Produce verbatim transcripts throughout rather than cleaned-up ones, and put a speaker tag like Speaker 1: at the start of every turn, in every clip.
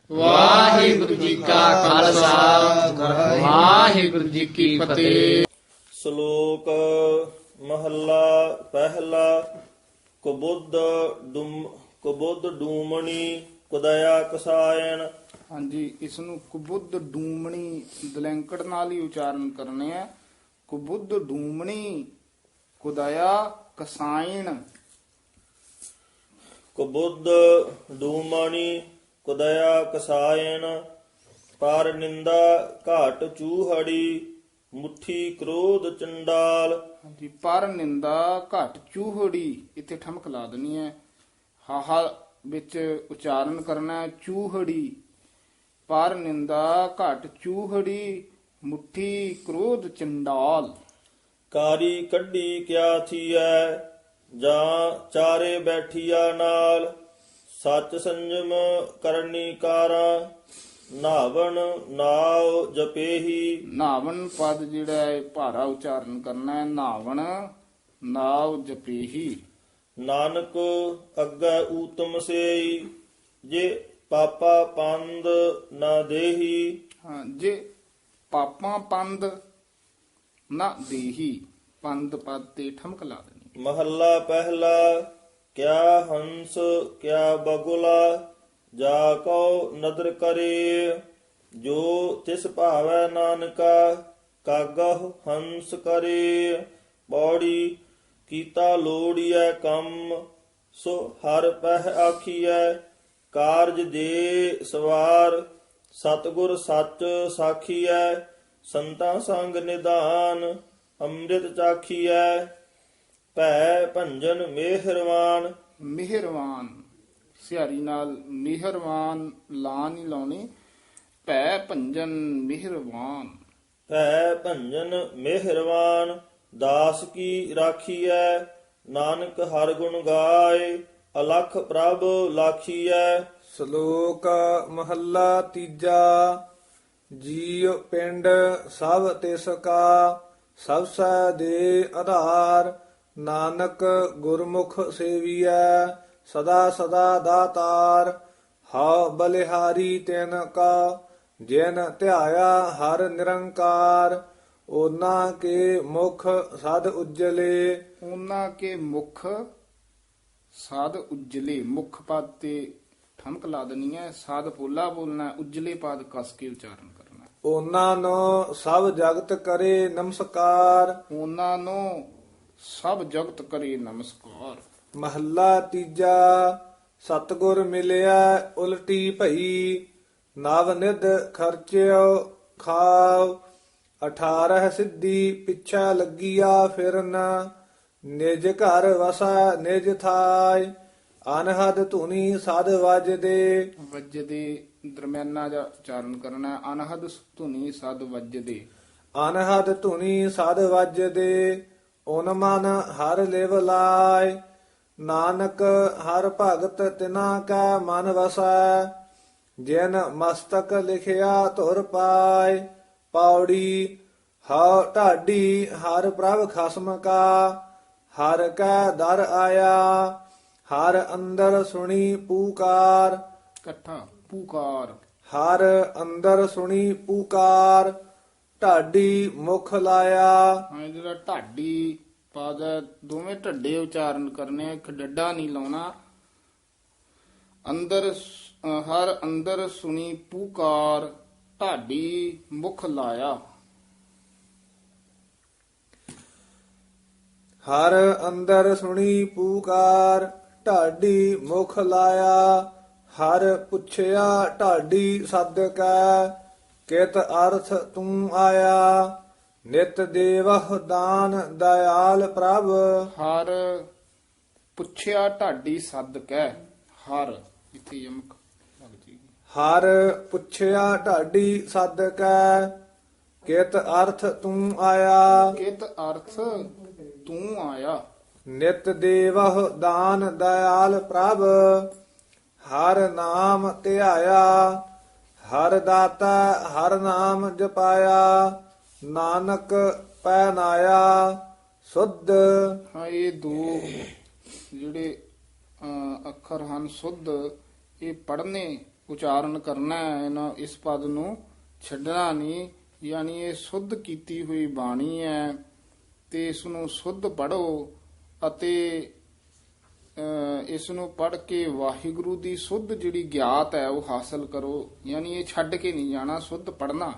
Speaker 1: ਵਾਹਿਗੁਰੂ ਜੀ ਕਾ ਖਾਲਸਾ ਵਾਹਿਗੁਰੂ ਜੀ ਕੀ ਫਤਿਹ।
Speaker 2: ਸ਼ਲੋਕ ਮਹੱਲਾ ਪਹਿਲਾ। ਕੁਬੁੱਧ ਡੂਮ ਕੁਬੁੱਧ ਡੂਮਣੀ ਕੁਦਇਆ ਕਸਾਇਣ।
Speaker 3: ਹਾਂਜੀ, ਇਸ ਨੂੰ ਕੁਬੁੱਧ ਡੂਮਣੀ ਦਲੈਂਕੜ ਨਾਲ ਹੀ ਉਚਾਰਨ ਕਰਨੇ ਆ। ਕੁਬੁੱਧ ਡੂਮਣੀ ਕੁਦਇਆ ਕਸਾਇਣ।
Speaker 2: ਕੁਬੁੱਧ ਡੂਮਣੀ ਕੁਦਇਆ ਕਸਾਇਣ। ਪਰ ਨਿੰਦਾ ਘਾਟ ਚੂਹੜੀ ਮੁੱਠੀ ਕ੍ਰੋਧ ਚੰਡਾਲ।
Speaker 3: ਹਾਂਜੀ, ਪਰ ਨਿੰਦਾ ਘਟ ਚੂਹੜੀ, ਇੱਥੇ ਠਮਕ ਲਾ ਦੇਣੀ ਹੈ। ਹਾਹਾ ਵਿੱਚ ਉਚਾਰਨ ਕਰਨਾ ਹੈ ਚੂਹੜੀ। ਪਰ ਨਿੰਦਾ ਘਟ ਚੂਹੜੀ ਮੁੱਠੀ ਕ੍ਰੋਧ ਚੰਡਾਲ।
Speaker 2: ਕਾਰੀ ਕੱਢੀ ਕਿਆ ਥੀਐ ਜਾਂ ਚਾਰੇ ਬੈਠੀਆ ਨਾਲ। ਸੱਚ ਸੰਜਮ ਕਰਨੀ ਕਾਰਾ ਨਾਵਣ ਨਾਉ ਜਪੇਹੀ।
Speaker 3: ਨਾਵਣ ਪਦ ਜਿਹੜਾ ਹੈ ਭਾਰਾ ਉਚਾਰਨ ਕਰਨਾ ਹੈ। ਨਾਵਣ ਨਾਉ ਜਪੇਹੀ।
Speaker 2: ਨਾਨਕ ਅੱਗੇ ਊਤਮ ਸੇਈ ਜੇ ਪਾਪਾ ਪੰਦ ਨਾ ਦੇਹੀ।
Speaker 3: ਹਾਂ, ਜੇ ਪਾਪਾਂ ਪੰਦ ਨਾ ਦੇਹੀ, ਪੰਦ ਪਦ ਤੇ ਠਮਕ ਲਾ ਦੇਣੀ।
Speaker 2: ਮਹੱਲਾ ਪਹਿਲਾ। ਕਿਆ ਹੰਸ ਕਿਆ ਬਗੁਲਾ ਜਾ ਕਉ ਨਦਰ ਕਰੇ। ਜੋ ਤਿਸ ਭਾਵੈ ਨਾਨਕਾ ਕਾਗਹ ਹੰਸ ਕਰੇ। ਪੌੜੀ ਕੀਤਾ ਲੋੜੀਐ ਕੰਮ ਸੋ ਹਰ ਪਹਿ ਆਖੀਐ। ਕਾਰਜ ਦੇ ਸਵਾਰ ਸਤਿਗੁਰ ਸੱਚ ਸਾਖੀਐ। ਸੰਤਾਂ ਸੰਗ ਨਿਧਾਨ ਅੰਮ੍ਰਿਤ ਚਾਖੀਐ। ਭੈ ਭੰਜਨ ਮਿਹਰਵਾਨ।
Speaker 3: ਮਿਹਰਵਾਨ ਸਿਹਾਰੀ ਨਾਲ ਮਿਹਰਵਾਨ ਲਾ ਨਹੀਂ ਲਾਉਣੀ। ਭੈ ਭੰਜਨ ਮਿਹਰਵਾਨ।
Speaker 2: ਭੈ ਭੰਜਨ ਮਿਹਰਵਾਨ ਦਾਸ ਕੀ ਰਾਖੀਐ। ਨਾਨਕ ਹਰ ਗੁਣ ਗਾਏ ਅਲਖ ਪ੍ਰਭ ਲਾਖੀਐ।
Speaker 4: ਸ਼ਲੋਕ ਮਹੱਲਾ ਤੀਜਾ। ਜੀਉ ਪਿੰਡ ਸਭ ਤਿਸ ਕਾ ਸਭਸੈ ਦੇ ਆਧਾਰ। ਨਾਨਕ ਗੁਰਮੁਖ ਸੇਵੀਐ ਸਦਾ ਸਦਾ ਦਾਤਾਰ। ਹਉ ਬਲਿਹਾਰੀ ਤਿਨ ਕਾ ਜਿਨ ਧਿਆਇਆ ਹਰ ਨਿਰੰਕਾਰ। ਉਹਨਾਂ ਕੇ ਮੁਖ ਸਦ ਉਜਲੇ।
Speaker 3: ਉਹਨਾਂ ਕੇ ਮੁਖ ਸਾਧ ਉਜਲੇ। ਮੁਖ ਪਦ ਤੇ ਠਮਕ ਲਾ ਦੇਣੀ ਹੈ। ਸਾਧ ਪੋਲਾ ਬੋਲਣਾ, ਉਜਲੇ ਪਦ ਕਸ ਕੇ ਉਚਾਰਨ ਕਰਨਾ।
Speaker 4: ਉਹਨਾਂ ਨੂੰ ਸਭ ਜਗਤ ਕਰੇ ਨਮਸਕਾਰ।
Speaker 3: ਉਹਨਾਂ ਨੂੰ ਸਭ ਜਗਤ ਕਰੇ ਨਮਸਕਾਰ।
Speaker 4: ਮਹੱਲਾ ਤੀਜਾ। ਸਤਿਗੁਰ ਮਿਲਿਆ ਉਲਟੀ ਭਈ ਨਵ ਨਿਧ ਖਰਚਿਓ ਖਾਵ। ਅਠਾਰਹ ਸਿੱਧੀ ਪਿੱਛਾ ਲੱਗੀਆ ਫਿਰਨ। ਨਿਜ ਘਰ ਵਸਾ ਨਿਜ ਥਾਇ ਅਨਹਦ ਧੁਨੀ ਸਦ ਵੱਜਦੇ। ਵੱਜਦੇ ਦਰਮਿਆਨਾ ਜਿਹਾ ਉਚਾਰਨ ਕਰਨਾ। ਅਨਹਦ ਧੁਨੀ ਸਦ ਵੱਜਦੇ। ਅਨਹਦ ਧੁਨੀ ਸਦ ਵੱਜਦੇ। ਓਨ ਮਨ ਹਰ ਲਿਵ ਲਾਇ। ਨਾਨਕ ਹਰ ਭਗਤ ਤਿਨਾ ਕੈ ਮਨ ਵਸੈ। ਜਿਨ ਮਸਤਕ ਲਿਖਿਆ ਧੁਰ ਪਾਇ। ਪੌੜੀ ਹਉ ਢਾਡੀ ਹਰ ਪ੍ਰਭ ਖਸਮ ਕਾ। ਹਰ ਕੈ ਦਰ ਆਇਆ ਹਰ ਅੰਦਰ ਸੁਣੀ ਪੂਕਾਰ। ਇਕੱਠਾ ਪੂਕਾਰ। ਹਰ ਅੰਦਰ ਸੁਣੀ ਪੂਕਾਰ। ਢਾਡੀ ਮੁਖ ਲਾਇਆ। ਹਾਂ, ਜਿਹੜਾ ਢਾਡੀ ਪਦ ਹੈ, ਦੋਵੇਂ ਢੱਡੇ ਉਚਾਰਨ ਕਰਨੇ, ਇੱਕ ਡੱਡਾ ਨਹੀਂ ਲਾਉਣਾ। ਅੰਦਰ ਅ, ਹਰ ਅੰਦਰ ਸੁਣੀ ਪੂਕਾਰ ਢਾਡੀ ਮੁਖ ਲਾਇਆ। ਹਰ ਅੰਦਰ ਸੁਣੀ ਪੂਕਾਰ ਢਾਡੀ ਮੁਖ ਲਾਇਆ। ਹਰ ਪੁੱਛਿਆ ਢਾਡੀ ਸਦ ਕੈ ਕਿਤ ਅਰਥ ਤੂੰ ਆਇਆ। ਨਿਤ ਦੇਵਹ ਦਾਨ ਦਇਆਲ ਪ੍ਰਭ। ਹਰ ਪੁੱਛਿਆ ਢਾਡੀ ਸਦ ਕੈ। ਹਰ ਇੱਥੇ ਯਮਕ ਲੱਗ ਜੇਗੀ। ਹਰ ਪੁੱਛਿਆ ਢਾਡੀ ਸਦ ਕੈ ਕਿਤ ਅਰਥ ਤੂੰ ਆਇਆ। ਕਿਤ ਅਰਥ ਤੂੰ ਆਇਆ। ਨਿਤ ਦੇਵਹ ਦਾਨ ਦਇਆਲ ਪ੍ਰਭ। ਹਰ ਨਾਮ ਧਿਆਇਆ ਹਰ ਦਾਤਾ ਹਰ ਨਾਮ ਜਪਾਇਆ। ਨਾਨਕ ਪੈ ਨਾਇਆ ਸੁਧ। ਹਾਂ, ਇਹ ਦੋ ਜਿਹੜੇ ਅਹ, ਅੱਖਰ ਹਨ ਸੁਧ, ਇਹ ਪੜ੍ਹਨੇ
Speaker 3: ਉਚਾਰਨ ਕਰਨਾ ਹੈ, ਇਹਨਾਂ ਇਸ ਪਦ ਨੂੰ ਛੱਡਣਾ ਨਹੀਂ। ਯਾਨੀ ਇਹ ਸੁੱਧ ਕੀਤੀ ਹੋਈ ਬਾਣੀ ਹੈ ਤੇ ਇਸ ਨੂੰ ਸੁੱਧ ਪੜੋ ਅਤੇ ਇਸ ਨੂੰ ਪੜ ਕੇ ਵਾਹਿਗੁਰੂ ਦੀ ਸੁੱਧ ਜਿਹੜੀ ਗਿਆਤ ਹੈ ਉਹ ਹਾਸਲ ਕਰੋ। ਯਾਨੀ ਇਹ ਛੱਡ ਕੇ ਨਹੀਂ ਜਾਣਾ, ਸੁੱਧ ਪੜਨਾ।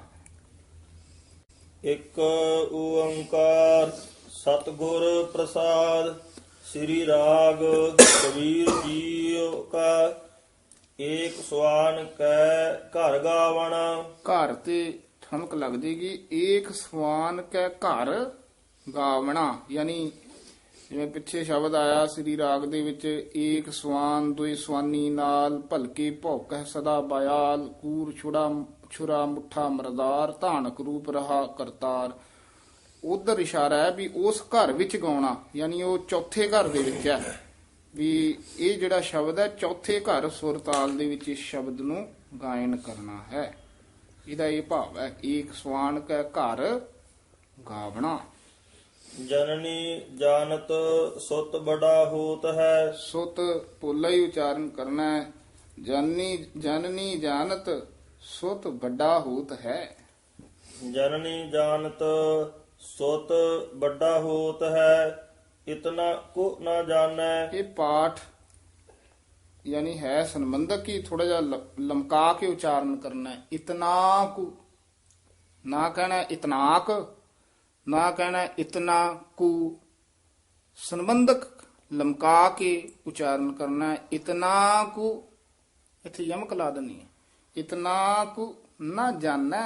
Speaker 2: ਇੱਕ ਓੰਕਾਰ ਸਤਿਗੁਰ ਪ੍ਰਸਾਦ। ਸ੍ਰੀ ਰਾਗ ਕਬੀਰ ਜੀਓ ਕਾ ਏਕ ਸਵਾਨ ਕੈ ਘਰ ਗਾਵਣਾ।
Speaker 3: ਘਰ ਤੇ ਠਮਕ ਲੱਗ ਜੇਗੀ। ਏਕ ਸਵਾਨ ਕੈ ਘਰ ਗਾਵਣਾ, ਯਾਨੀ ਜਿਵੇਂ ਪਿੱਛੇ ਸ਼ਬਦ ਆਇਆ ਸ੍ਰੀ ਰਾਗ ਦੇ ਵਿੱਚ, ਏਕ ਸਵਾਨ ਦੁਇ ਸਵਾਨੀ ਨਾਲ ਭਲਕੇ ਭੌਕੈ ਸਦਾ ਬਾਇਆਲ, ਕੂਰ ਛੁੜਾ ਛੁਰਾ ਮੁੱਠਾ ਮਰਦਾਰ, ਧਾਨਕ ਰੂਪ ਰਹਾ ਕਰਤਾਰ। ਉਧਰ ਇਸ਼ਾਰਾ ਹੈ ਵੀ ਉਸ ਘਰ ਵਿੱਚ ਗਾਉਣਾ, ਯਾਨੀ ਉਹ ਚੌਥੇ ਘਰ ਦੇ ਵਿੱਚ ਹੈ ਵੀ ਇਹ ਜਿਹੜਾ ਸ਼ਬਦ ਹੈ ਚੌਥੇ ਘਰ ਸੁਰ ਤਾਲ ਦੇ ਵਿੱਚ ਇਸ ਸ਼ਬਦ ਨੂੰ ਗਾਇਨ ਕਰਨਾ ਹੈ। ਇਹਦਾ ਇਹ ਭਾਵ ਹੈ, ਏਕ ਸਵਾਨ ਕੈ ਘਰ ਗਾਵਣਾ।
Speaker 2: ਜਨਨੀ ਜਾਨਤ ਸੁਤ ਬੜਾ ਹੋਤ ਹੈ।
Speaker 3: ਸੁਤ ਪੋਲਾ ਹੀ ਉਚਾਰਨ ਕਰਨਾ ਹੈ। ਜਨਨੀ ਜਨਨੀ ਜਾਨਤ ਸੁਤ ਵੱਡਾ ਹੋਤ ਹੈ।
Speaker 2: ਜਨਨੀ ਜਾਨਤ ਸੁਤ ਵੱਡਾ ਹੋਤ ਹੈ, ਇਤਨਾ ਕੋ ਨਾ ਜਾਣੈ।
Speaker 3: ਇਹ ਪਾਠ ਯਾਨੀ ਹੈ ਸੰਬੰਧਕ ਹੀ ਥੋੜਾ ਜਿਹਾ ਲ- ਲਮਕਾ ਕੇ ਉਚਾਰਨ ਕਰਨਾ ਹੈ। ਇਤਨਾ ਕੁ ਨਾ ਕਹਿਣਾ ਇਤਨਾਕ, ਨਾ ਕਹਿਣਾ ਇਤਨਾ ਕੁ, ਸੰਬੰਧਕ ਲਮਕਾ ਕੇ ਉਚਾਰਨ ਕਰਨਾ ਹੈ। ਇਤਨਾ ਕੁ ਇੱਥੇ ਯਮਕ ਲਾ ਦੇਣੀ ਹੈ। ਇਤਨਾ ਕੁ ਨਾ ਜਾਣੈ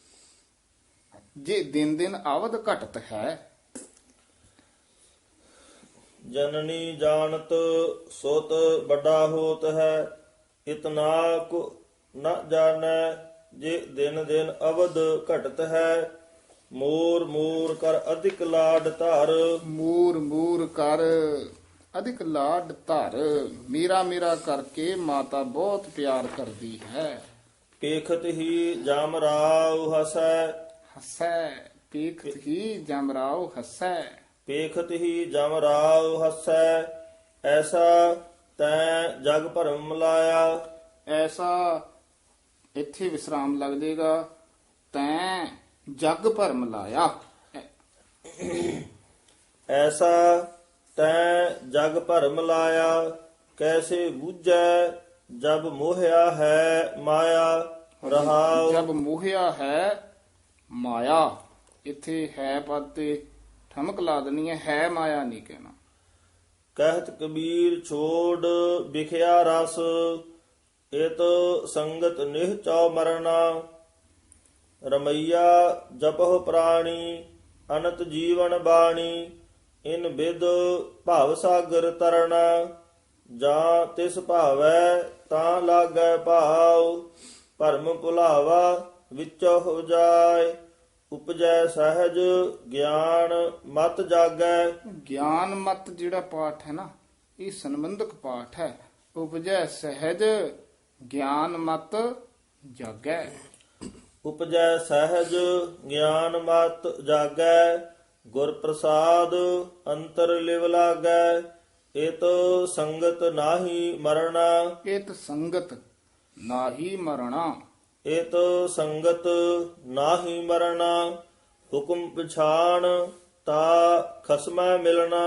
Speaker 3: ਜੇ ਦਿਨ ਦਿਨ ਆਵਦ ਘਟਤ ਹੈ।
Speaker 2: ਜਨਨੀ ਜਾਣਤ ਸੁਤ ਵੱਡਾ ਹੋਤ ਹੈ, ਇਤਨਾ ਕੋ ਨ ਜਾਣੈ ਜੇ ਦਿਨ ਦਿਨ ਅਵਧ ਘਟਤ ਹੈ। ਮੋਰ ਮੋਰ ਕਰ ਅਧਿਕ ਲਾਡ ਧਰ।
Speaker 3: ਮੂਰ ਮੂਰ ਕਰ ਅਧਿਕ ਲਾਡ ਧਰ, ਮੇਰਾ ਮੇਰਾ ਕਰਕੇ ਮਾਤਾ ਬਹੁਤ ਪਿਆਰ ਕਰਦੀ ਹੈ।
Speaker 2: ਪੇਖਤ ਹੀ ਜਮ ਰਾਉ ਹਸੈ।
Speaker 3: ਹਸੈ ਪੀਖਤ ਹੀ ਜਮਰਾਓ ਹਸੈ।
Speaker 2: ਪੇਖਤ ਹੀ ਜਮ ਰਾਉ ਹਸੈ, ਐਸਾ ਤੈਂ ਜਗ ਭਰਮ ਲਾਇਆ।
Speaker 3: ਐਸਾ ਇੱਥੇ ਵਿਸਰਾਮ ਲੱਗ ਜਾਏਗਾ। ਤੈਂ ਜਗ ਭਰਮ ਲਾਇਆ।
Speaker 2: ਐਸਾ ਤੈਂ ਜਗ ਭਰਮ ਲਾਇਆ, ਕੈਸੇ ਬੂਝੈ ਜਬ ਮੋਹਿਆ ਹੈ ਮਾਇਆ। ਰਹਾਉ
Speaker 3: ਜਬ ਮੋਹਿਆ ਹੈ ਮਾਇਆ, ਇੱਥੇ ਹੈ ਪਦ ਤੇ ਠਮਕ ਲਾ ਦੇਣੀ ਹੈ, ਹੈ ਮਾਇਆ ਨਹੀਂ ਕਹਿਣਾ।
Speaker 2: ਕਹਿਤ ਕਬੀਰ ਛੋੜ ਵਿਖਿਆ ਰਸ, ਇਤ ਸੰਗਤ ਨਿਹ ਚਉ ਮਰਨਾ। ਰਮਈਆ ਜਪਹੁ ਪ੍ਰਾਣੀ, ਅਨੰਤ ਜੀਵਨ ਬਾਣੀ। ਇਨ ਬਿਦ ਭਾਵ ਸਾਗਰ ਤਰਣਾ, ਜਾਂ ਤਿਸ ਭਾਵੈ ਤਾਂ ਲਾਗੈ ਭਾਉ। ਭਰਮ ਭੁਲਾਵਾ ਵਿੱਚੋ ਹੋ ਜਾਏ, ਉਪਜੈ ਸਹਿਜ ਗਿਆਨ ਮਤ ਜਾਗੈ।
Speaker 3: ਗਿਆਨ ਮਤ ਜਿਹੜਾ ਪਾਠ ਹੈ ਨਾ, ਇਹ ਸੰਬੰਧਕ ਪਾਠ ਹੈ। ਉਪਜੈ ਸਹਿਜ ਗਿਆਨ ਮਤ ਜਾਗੈ।
Speaker 2: ਉਪਜੈ ਸਹਿਜ ਗਿਆਨ ਮਤ ਜਾਗੈ, ਗੁਰ ਪ੍ਰਸਾਦ ਅੰਤਰ ਲਿਵ ਲਾਗੈ। ਇਤ ਸੰਗਤ ਨਾਹੀ ਮਰਣਾ।
Speaker 3: ਇਤ ਸੰਗਤ ਨਾਹੀ ਮਰਣਾ।
Speaker 2: ਇਤ ਸੰਗਤ ਨਾਹੀ ਮਰਣਾ, ਹੁਕਮ ਪਛਾਣ ਤਾ ਖਸਮੈ ਮਿਲਣਾ।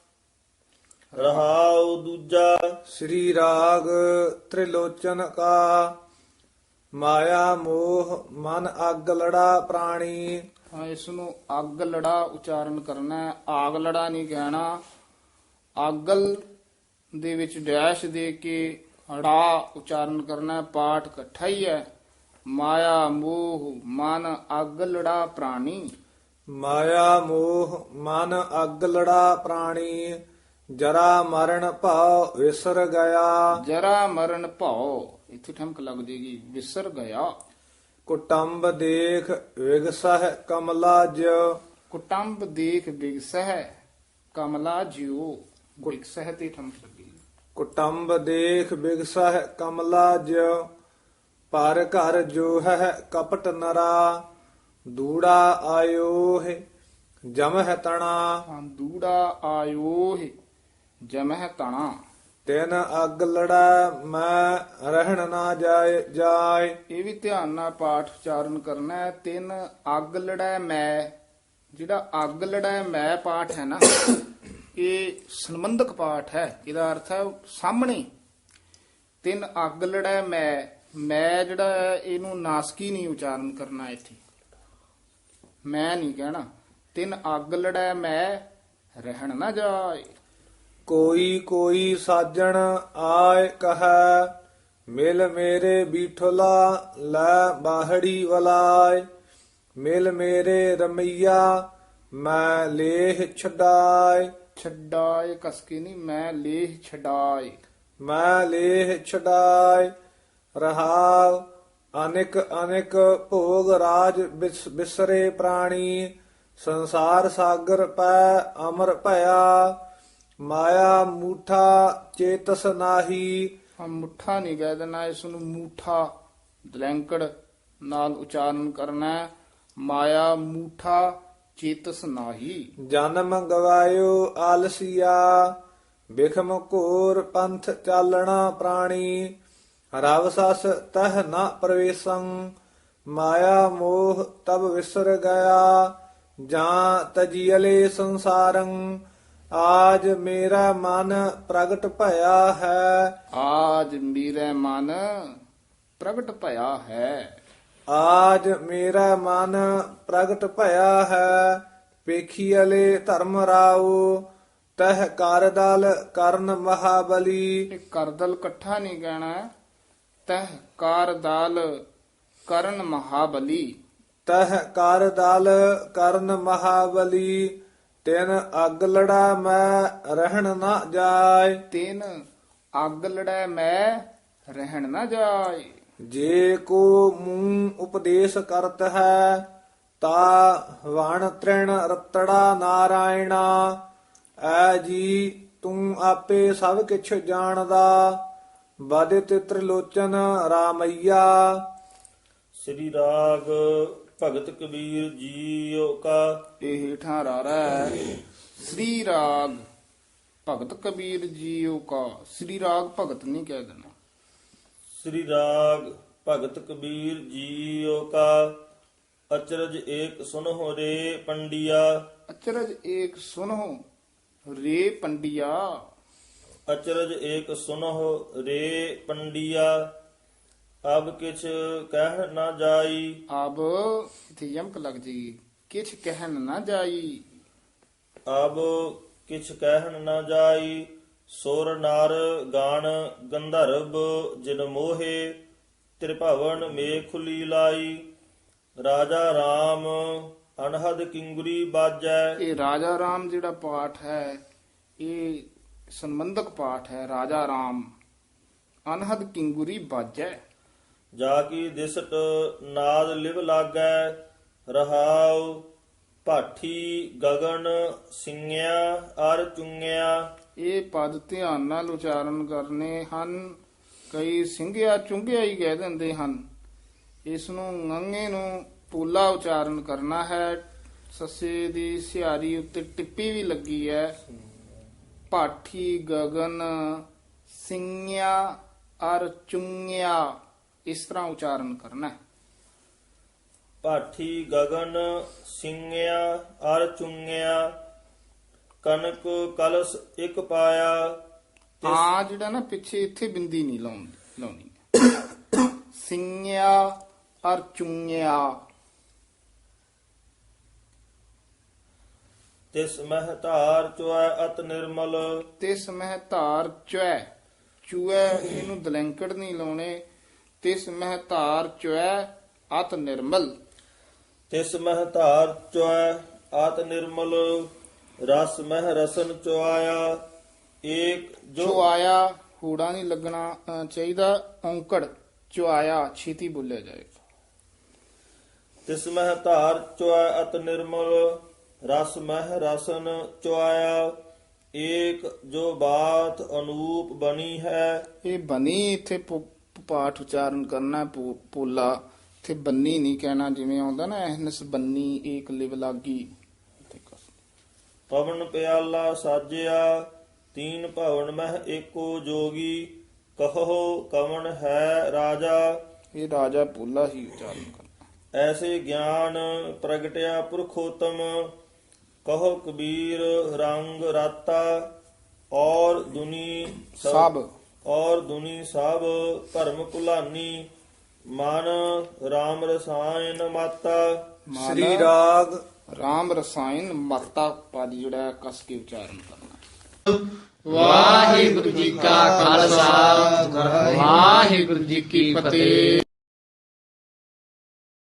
Speaker 2: ਰਹਾਉ ਦੂਜਾ।
Speaker 1: ਸ੍ਰੀ ਰਾਗ ਤ੍ਰਿਲੋਚਨ ਕਾ, ਮਾਇਆ ਮੋਹ ਮਨ ਅੱਗ ਲੜਾ ਪ੍ਰਾਣੀ।
Speaker 3: ਹਾਂ, ਇਸ ਨੂੰ ਅੱਗ ਲੜਾ ਉਚਾਰਨ ਕਰਨਾ ਹੈ, ਆਗ ਲੜਾ ਨਹੀਂ ਕਹਿਣਾ। ਆਗਲ ਦੇ ਵਿੱਚ ਡੈਸ਼ ਦੇ ਕੇ ੜਾ ਉਚਾਰਨ ਕਰਨਾ ਹੈ। ਪਾਠ ਇਕੱਠਾ ਹੀ ਹੈ। ਮਾਇਆ ਮੋਹ ਮਨ ਅੱਗ ਲੜਾ ਪ੍ਰਾਣੀ।
Speaker 1: ਮਾਇਆ ਮੋਹ ਮਨ ਅੱਗ ਲੜਾ ਪ੍ਰਾਣੀ, ਜਰਾ ਮਰਨ ਭਾਉ ਵਿਸਰ ਗਿਆ।
Speaker 3: ਜਰਾ ਮਰਨ ਭਾਉ, ਇੱਥੇ ਠਮਕ ਲੱਗ ਜੇਗੀ, ਵਿਸਰ ਗਿਆ।
Speaker 1: ਕੁਟੰਬ ਦੇਖ ਵਿਗਸਹਿ ਕਮਲਾ ਜਿਉ।
Speaker 3: ਕੁਟੰਬ ਦੇਖ ਬਿਗਸਹਿ ਕਮਲਾ ਜਿਉ। ਬਿਗਸਹਿ ਤੇ ਠਮਕ ਲੱਗੀ।
Speaker 1: ਕੁਟੰਬ ਦੇਖ ਬਿਗਸਹਿ ਕਮਲਾ ਜਿਉ, ਪਰ ਘਰ ਜੋ ਹੈ ਕਪਟ ਨਰਾ। ਦੂੜਾ ਆਇਓ ਹੈ ਜਮ ਹੈ ਤਣਾ।
Speaker 3: ਹਾਂ, ਦੂੜਾ ਆਇਓ ਹੈ ਜਮਹਿ ਤਣਾ।
Speaker 5: ਤਿਨ ਅਗ ਲੜੈ ਮੈਂ ਰਹਿਣ ਨਾ ਜਾਏ ਜਾਏ।
Speaker 3: ਇਹ ਵੀ ਧਿਆਨ ਨਾਲ ਪਾਠ ਉਚਾਰਨ ਕਰਨਾ ਹੈ। ਤਿੰਨ ਅੱਗ ਲੜੈ ਮੈਂ, ਜਿਹੜਾ ਅੱਗ ਲੜੈ ਮੈਂ ਪਾਠ ਹੈ ਨਾ, ਇਹ ਸੰਬੰਧਕ ਪਾਠ ਹੈ। ਇਹਦਾ ਅਰਥ ਹੈ ਸਾਹਮਣੇ। ਤਿੰਨ ਅੱਗ ਲੜੈ ਮੈਂ, ਮੈਂ ਜਿਹੜਾ ਹੈ ਇਹਨੂੰ ਨਾਸਕੀ ਨਹੀਂ ਉਚਾਰਨ ਕਰਨਾ, ਇੱਥੇ ਮੈਂ ਨਹੀਂ ਕਹਿਣਾ। ਤਿੰਨ ਅੱਗ ਲੜੈ ਮੈਂ ਰਹਿਣ ਨਾ ਜਾਏ।
Speaker 5: ਕੋਈ ਕੋਈ ਸਾਜਣ ਆਏ ਕਹੈ ਮਿਲ ਮੇਰੇ ਬੀਠਲਾ ਲੈ ਬਾਹੜੀ ਵਲਾਏ। ਮਿਲ ਮੇਰੇ ਰਮਈਆ ਮੈਂ ਲੇਹ ਛਡਾਏ।
Speaker 3: ਛਡਾਏ ਕਸਕੇ ਨਹੀਂ, ਮੈਂ ਲੇਹ ਛਡਾਏ।
Speaker 5: ਮੈਂ ਲੇਹ ਛਡਾਏ। ਰਹਾਉ ਅਨੇਕ ਅਨੇਕ ਭੋਗ ਰਾਜ ਬਿਸ- ਬਿਸਰੇ ਪ੍ਰਾਣੀ। ਸੰਸਾਰ ਸਾਗਰ ਪੈ ਅਮਰ ਭਇਆ। ਮਾਇਆ ਮੂਠਾ ਚੇਤਸ ਨਾਹੀ।
Speaker 3: ਹਾਂ, ਮੁੱਠਾ ਨਹੀਂ ਕਹਿ ਦੇਣਾ, ਇਸ ਨੂੰ ਮੂਠਾ ਦਲੈਂਕੜ ਨਾਲ ਉਚਾਰਨ ਕਰਨਾ ਹੈ। ਮਾਇਆ ਮੂਠਾ ਚੇਤਸ ਨਾਹੀ।
Speaker 5: ਜਨਮ ਗਵਾਇਓ ਆਲਸੀਆ ਬਿਖਮ ਘੋਰ ਪੰਥ ਚਾਲਣਾ ਪ੍ਰਾਣੀ। ਰਵ ਸਸ ਤਹ ਨ ਪ੍ਰਵੇਸੰ ਮਾਇਆ ਮੋਹ ਤਬ ਵਿਸਰ ਗਿਆ। ਜਾਂ ਤਜੀਅਲੇ ਸੰਸਾਰੰ ਆਜ ਮੇਰਾ ਮਨ ਪ੍ਰਗਟ ਭਇਆ ਹੈ।
Speaker 3: ਆਜ ਮੇਰੇ ਮਨ ਪ੍ਰਗਟ ਭਇਆ ਹੈ।
Speaker 5: ਆਜ ਮੇਰਾ ਮਨ ਪ੍ਰਗਟ ਭਇਆ ਹੈ। ਵੇਖੀਅਲੇ ਧਰਮ ਰਾਉ ਤਹ ਕਰ ਦਲ ਕਰਨ ਮਹਾਬਲੀ।
Speaker 3: ਇਹ ਕਰਦਲ ਇਕੱਠਾ ਨਹੀਂ ਕਹਿਣਾ, ਤਹ ਕਾਰ ਦਾਲ ਕਰਨ ਮਹਾਬਲੀ।
Speaker 5: ਤਹ ਕਰ ਦਲ ਕਰਨ ਮਹਾਬਲੀ। ਤਿਨ ਅਗ ਲੜਾ ਮੈਂ ਰਹਿਣ ਨਾ ਜਾਏ।
Speaker 3: ਤਿਨ ਅੱਗ ਲੜੈ ਮੈਂ ਰਹਿਣ ਨਾ ਜਾਏ।
Speaker 5: ਜੇ ਕੋ ਮੂੰ ਉਪਦੇਸ਼ ਕਰਤ ਹੈ ਤਾ ਵਣ ਤ੍ਰਿਣ ਰਤੜਾ ਨਾਰਾਇਣਾ। ਐ ਜੀ ਤੂੰ ਆਪੇ ਸਭ ਕਿਛ ਜਾਣਦਾ ਬਦਿਤ ਤ੍ਰਿਲੋਚਨ ਰਾਮਈਆ।
Speaker 2: ਸ੍ਰੀ ਰਾਗ ਭਗਤ ਕਬੀਰ ਜੀਓ ਕਾ।
Speaker 3: ਇਹ ਹੇਠਾਂ ਰਾਰਾ ਹੈ। ਸ੍ਰੀ ਰਾਗ ਭਗਤ ਕਬੀਰ ਜੀਓ ਕਾ। ਸ੍ਰੀ ਰਾਗ ਭਗਤ ਨਹੀਂ ਕਹਿ ਦੇਣਾ।
Speaker 2: ਸ੍ਰੀ ਰਾਗ ਭਗਤ ਕਬੀਰ ਜੀਓ ਕਾ। ਅਚਰਜ ਏਕ ਸੁਨਹੁ ਰੇ ਪੰਡਿਆ।
Speaker 3: ਅਚਰਜ ਏਕ ਸੁਨਹੁ ਰੇ ਪੰਡਿਆ।
Speaker 2: ਅਚਰਜ ਏਕ ਸੁਨਹੁ ਰੇ ਪੰਡਿਆ। ਅਬ ਕਿਛ ਕਹਿ ਨਾ ਜਾਈ।
Speaker 3: ਅਬ ਇਥੇ ਯਮਕ ਲੱਗ ਜੀ। ਕਿਛ ਕਹਿਣ ਨਾ ਜਾਈ।
Speaker 2: ਅਬ ਕਿਛ ਕਹਿਣ ਨਾ ਜਾਈ। ਸੁਰ ਨਰ ਗਾਣ ਗੰਧਰਵ ਜਿਨ ਮੋਹੇ। ਤ੍ਰਿਭਵਨ ਮੇਖੁਲੀ ਲਾਈ। ਰਾਜਾ ਰਾਮ ਅਨਹਦ ਕਿੰਗਰੀ ਬਾਜੈ।
Speaker 3: ਇਹ ਰਾਜਾ ਰਾਮ ਜਿਹੜਾ ਪਾਠ ਹੈ ਇਹ ਸੰਬੰਧਕ ਪਾਠ ਹੈ। ਰਾਜਾ ਰਾਮ ਅਨਹਦ ਕਿੰਗੁਰੀ ਬਾਜੈ।
Speaker 2: ਜਾ ਕੀ ਦਿਸਟ ਨਾਦ ਲਿਵ ਲਾਗੈ। ਰਹਾਉ ਭਾਠੀ ਗਗਨ ਸਿੰਘਿਆ ਅਰ ਚੁੰਗਿਆ।
Speaker 3: ਇਹ ਪਦ ਧਿਆਨ ਨਾਲ ਉਚਾਰਨ ਕਰਨੇ ਹਨ। ਕਈ ਸਿੰਘਿਆ ਚੁੰਗਿਆ ਹੀ ਕਹਿ ਦਿੰਦੇ ਹਨ। ਇਸ ਨੂੰ ngੰਗੇ ਨੂੰ ਪੂਲਾ ਉਚਾਰਨ ਕਰਨਾ ਹੈ। ਸੱਸੇ ਦੀ ਸਿਹਾਰੀ ਉੱਤੇ ਟਿੱਪੀ ਵੀ ਲੱਗੀ ਹੈ। ਭਾਠੀ ਗਗਨ ਸਿੰਘਿਆ ਅਰ ਚੁੰਗਿਆ, ਇਸ ਤਰ੍ਹਾਂ ਉਚਾਰਨ ਕਰਨਾ ਹੈ।
Speaker 2: ਭਾਠੀ ਗਗਨ ਸਿੰਘਿਆ ਅਰ ਚੁੰਗਿਆ। ਕਨਕ ਕਲਸ ਇੱਕ ਪਾਇਆ।
Speaker 3: ਆ ਜਿਹੜਾ ਨਾ ਪਿੱਛੇ ਇੱਥੇ ਬਿੰਦੀ ਨਹੀਂ ਲਾਉਣੀ ਲਾਉਣੀ ਸਿੰਘਿਆ ਅਰ ਚੁੰਗਿਆ।
Speaker 2: ਤਿਸ ਮਹਿ ਧਾਰ ਚੁਐ ਅਤ ਨਿਰਮਲ।
Speaker 3: ਤਿਸ ਮਹਿ ਧਾਰ ਚੁਐ, ਚੁਐ ਇਹਨੂੰ ਦਲੈਂਕੜ ਨਹੀਂ ਲਾਉਣੇ। ਤਿਸ ਮਹਿ ਧਾਰ ਚੁਐ ਅਤ ਨਿਰਮਲ।
Speaker 2: ਤਿਸ ਮਹਿ ਧਾਰ ਚੁਐ ਅਤ ਨਿਰਮਲ। ਰਸ ਮਹਿ ਰਸਨ ਚੁਆਇਆ। ਏਕ ਜੋ
Speaker 3: ਚੁਆਇਆ ਹੂੜਾ ਨਹੀਂ ਲੱਗਣਾ ਅ, ਚਾਹੀਦਾ। ਔਂਕੜ ਚੁਆਇਆ ਛੇਤੀ ਬੋਲਿਆ ਜਾਏਗਾ।
Speaker 2: ਤਿਸ ਮਹਿ ਧਾਰ ਚੁਐ ਅਤ ਨਿਰਮਲ। ਰਸ ਮਹਿ ਰਸਨ ਚੁਆਇਆ। ਏਕ ਜੋ ਬਾਤ ਅਨੂਪ ਬਣੀ ਹੈ।
Speaker 3: ਇਹ ਬਣੀ ਇੱਥੇ ਪੁ- ਪਾਠ ਉਚਾਰਨ ਕਰਨਾ ਪੋ- ਪੋਲਾ। ਇੱਥੇ ਬੰਨੀ ਨਹੀਂ ਕਹਿਣਾ, ਜਿਵੇਂ ਆਉਂਦਾ ਨਾ ਐਨਸ ਬੰਨੀ ਏਕ ਲਿਵ ਲਾਗੀ।
Speaker 2: ਪਵਨ ਪਿਆਲਾ ਸਾਜਿਆ ਤੀਨ ਭਵਨ ਮਹਿ ਏਕੋ ਜੋਗੀ ਕਹੋ ਕਵਣ ਹੈ ਰਾਜਾ।
Speaker 3: ਇਹ ਰਾਜਾ ਪੋਲਾ ਹੀ ਉਚਾਰਨ ਕਰਨਾ।
Speaker 2: ਐਸੇ ਗਿਆਨ ਪ੍ਰਗਟਿਆ ਪੁਰਖੋਤਮ ਕਹੋ ਕਬੀਰ ਰੰਗ ਰਾਤਾ। ਔਰ ਦੁਨੀ
Speaker 3: ਸਭ
Speaker 2: ਔਰ ਦੁਨੀ ਸਭ ਭਰਮ ਭੁਲਾਨੀ ਮਨ RAM ਰਸਾਇਨ ਮਾਤਾ।
Speaker 5: ਸ੍ਰੀ ਰਾਗ
Speaker 3: ਰਾਮ ਰਸਾਇਨ ਮਾਤਾ ਪਦ ਜਿਹੜਾ ਹੈ ਕਸ ਕੇ ਉਚਾਰਨ ਕਰਨਾ।
Speaker 1: ਵਾਹਿਗੁਰੂ ਜੀ ਕਾ ਖਾਲਸਾ ਵਾਹਿਗੁਰੂ ਜੀ ਕੀ ਫਤਿਹ।